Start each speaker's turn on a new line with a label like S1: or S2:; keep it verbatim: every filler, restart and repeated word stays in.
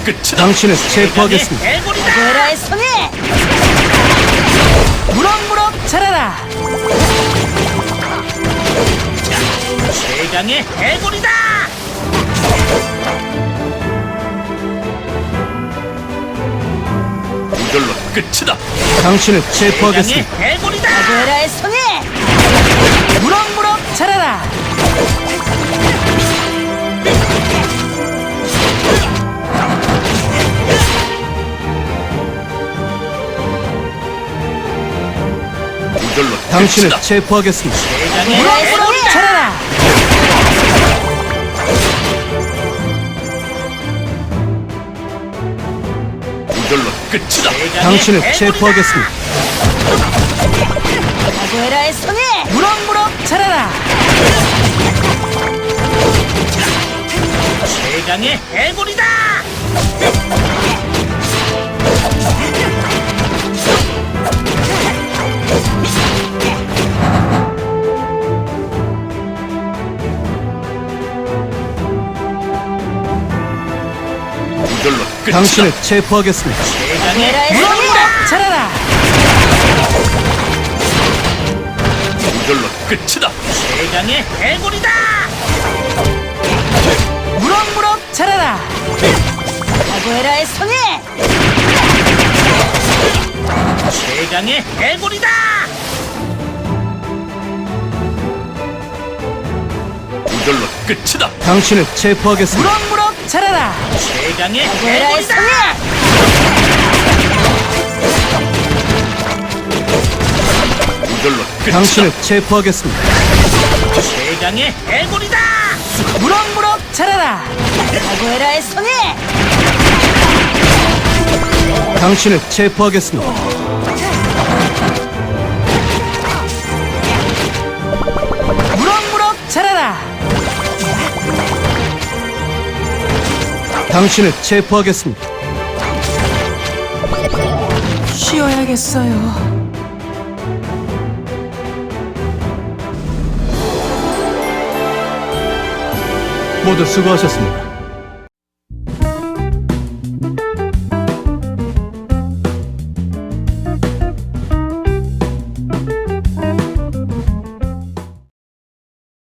S1: 끝이다.
S2: 당신을 체포하겠습니다.
S1: 해골이다.
S3: 베라의 손에 무럭무럭 자라라.
S1: 최강의 해골이다. 이걸로 끝이다.
S2: 당신을
S1: 최강의
S2: 체포하겠습니다.
S1: 해골이다.
S3: 베라의 손에 무럭무럭 자라라.
S1: 이걸로
S2: 당신을
S1: 끝이다.
S2: 체포하겠습니다.
S1: 최강의
S3: 무럭무럭
S1: 해골이다.
S3: 자라라.
S1: 이걸로 끝이다. 최강의
S2: 당신을
S1: 해골이다.
S2: 체포하겠습니다.
S3: 베라의 손에 무럭무럭 자라라.
S1: 최강의 해골이다. 이걸로 끝이다.
S2: 당신을 체포하겠습니다.
S1: 최강의
S3: 베라의 손에
S1: 해골이다.
S3: 자라라.
S1: 이걸로 끝이다. 최강의 해골이다.
S3: 무럭무럭 자라라. 베라의 손에
S1: 최강의 해골이다. 이걸로 끝이다.
S2: 당신을 체포하겠습니다.
S3: 무럭무럭 자라라.
S1: 최강의
S3: 베라의
S1: 해골이다.
S3: 손에
S1: 이걸로 끝이다.
S2: 당신을 체포하겠습니다.
S1: 최강의 해골이다.
S3: 무럭무럭 자라라. 베라의 손에
S2: 당신을 체포하겠습니다.
S3: 무럭무럭 자라라.
S2: 당신을 체포하겠습니다.
S3: 쉬어야겠어요.
S2: 모두 수고하셨습니다.